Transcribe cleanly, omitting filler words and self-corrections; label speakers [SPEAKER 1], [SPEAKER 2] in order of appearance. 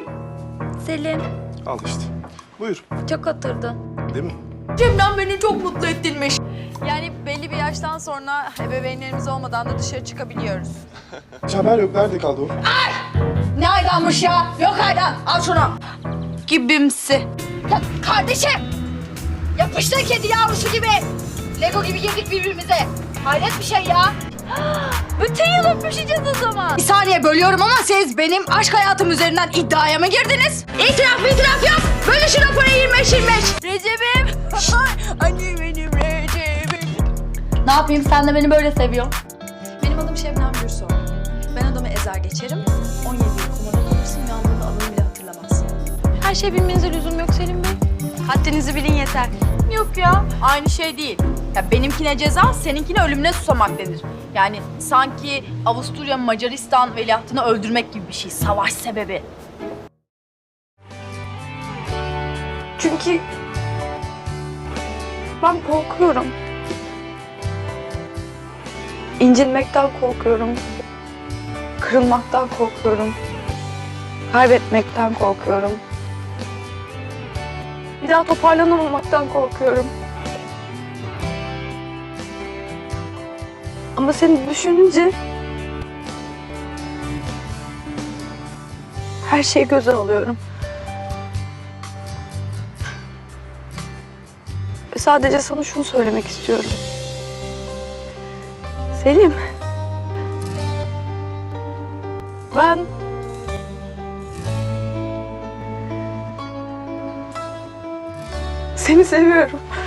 [SPEAKER 1] Selim,
[SPEAKER 2] Al işte. Buyur.
[SPEAKER 1] çok oturdun.
[SPEAKER 2] Değil mi?
[SPEAKER 3] Cemden beni çok mutlu ettinmiş.
[SPEAKER 4] Yani belli bir yaştan sonra ebeveynlerimiz olmadan da dışarı çıkabiliyoruz.
[SPEAKER 2] Hiç haber yok. Nerede kaldı o?
[SPEAKER 3] Ne aydanmış ya? Yok aydan. Al şunu.
[SPEAKER 4] Gibimsi.
[SPEAKER 3] Ya kardeşim. Yapıştın kedi yavrusu gibi. Lego gibi girdik birbirimize. Hayret bir şey ya.
[SPEAKER 4] Bütün yıl öpüşeceğiz o zaman.
[SPEAKER 3] Bir saniye bölüyorum ama siz benim aşk hayatım üzerinden iddiaya mı girdiniz? İtiraf yok. Bölüşün o parayı 25-25.
[SPEAKER 4] Recep'im. Anne benim Recep'im.
[SPEAKER 3] Ne yapayım sen de beni böyle seviyorsun.
[SPEAKER 4] Benim adım Şebnem Gürsoy. Ben adamı ezer geçerim. 17 yıl komada kalırsın, uyandığında adını bile hatırlamazsın. Her şey bilmenize lüzum yok Selim Bey. Haddinizi bilin yeter.
[SPEAKER 3] Yok ya aynı şey değil. Ya benimkine ceza seninkine ölümüne susamak denir. Yani sanki Avusturya Macaristan veliahtını öldürmek gibi bir şey. Savaş sebebi.
[SPEAKER 1] Çünkü ben korkuyorum. İncinmekten korkuyorum. Kırılmaktan korkuyorum. Kaybetmekten korkuyorum. Bir daha toparlanamamaktan korkuyorum. Ama seni düşününce her şeyi göze alıyorum. Ve sadece sana şunu söylemek istiyorum. Selim. Ben seni seviyorum.